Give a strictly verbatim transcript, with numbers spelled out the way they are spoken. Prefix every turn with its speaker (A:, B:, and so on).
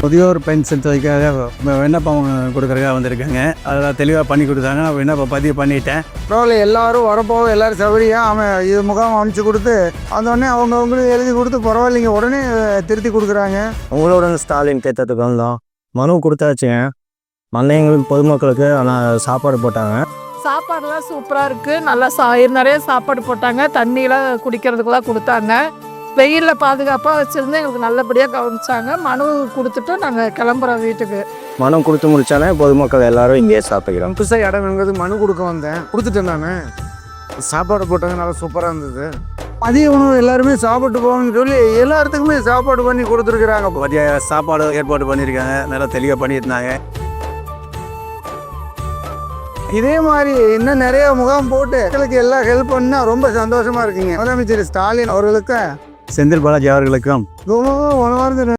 A: முதியோர் பென்ஷன் தொகைக்காக விண்ணப்பம் கொடுக்குறதுக்காக வந்திருக்காங்க. அதெல்லாம் தெளிவாக பண்ணி கொடுத்தாங்க. நான் விண்ணப்பம் பதிவு பண்ணிட்டேன்.
B: பரவாயில்ல, எல்லோரும் வரப்போக எல்லோரும் சௌகரியம் அவன் இது முகாம் அமைச்சு கொடுத்து அதோடனே அவங்க அவங்களும் எழுதி கொடுத்து பரவாயில்லைங்க உடனே திருத்தி கொடுக்குறாங்க.
C: உங்களோட ஸ்டாலின் கேட்டதுக்கு வந்தோம். மனு கொடுத்தாச்சுங்க. மல்லைங்களுக்கு பொதுமக்களுக்கு ஆனால் சாப்பாடு போட்டாங்க.
D: சாப்பாடுலாம் சூப்பராக இருக்குது. நல்லா சா நிறைய சாப்பாடு போட்டாங்க. தண்ணியெலாம் குடிக்கிறதுக்கெலாம் கொடுத்தாங்க. வெயிலில் பாதுகாப்பாக வச்சுருந்து எங்களுக்கு நல்லபடியாக கவனிச்சாங்க. மனு கொடுத்துட்டு நாங்கள் கிளம்புறோம் வீட்டுக்கு.
C: மனு கொடுத்து முடித்தாலே பொதுமக்கள் எல்லோரும் இங்கேயே சாப்பிட்டுக்கிறோம்.
B: புதுசாக இடம் வேணுங்கிறது மனு கொடுக்க வந்தேன், கொடுத்துட்டேன். நான் சாப்பாடு போட்டாங்க, நல்லா சூப்பராக இருந்தது. மதிய உணவு எல்லாருமே சாப்பிட்டு போகணும்னு சொல்லி எல்லாத்துக்குமே சாப்பாடு பண்ணி கொடுத்துருக்குறாங்க.
A: மதிய சாப்பாடு ஏற்பாடு பண்ணியிருக்காங்க. நல்லா தெளிவாக பண்ணியிருந்தாங்க.
B: இதே மாதிரி இன்னும் நிறைய முகாம் போட்டு மக்களுக்கு எல்லாம் ஹெல்ப் பண்ணா ரொம்ப சந்தோஷமா இருக்குங்க. முதலமைச்சர் ஸ்டாலின் அவர்களுக்கும்
A: செந்தில் பாலாஜி அவர்களுக்கும்
B: ரொம்ப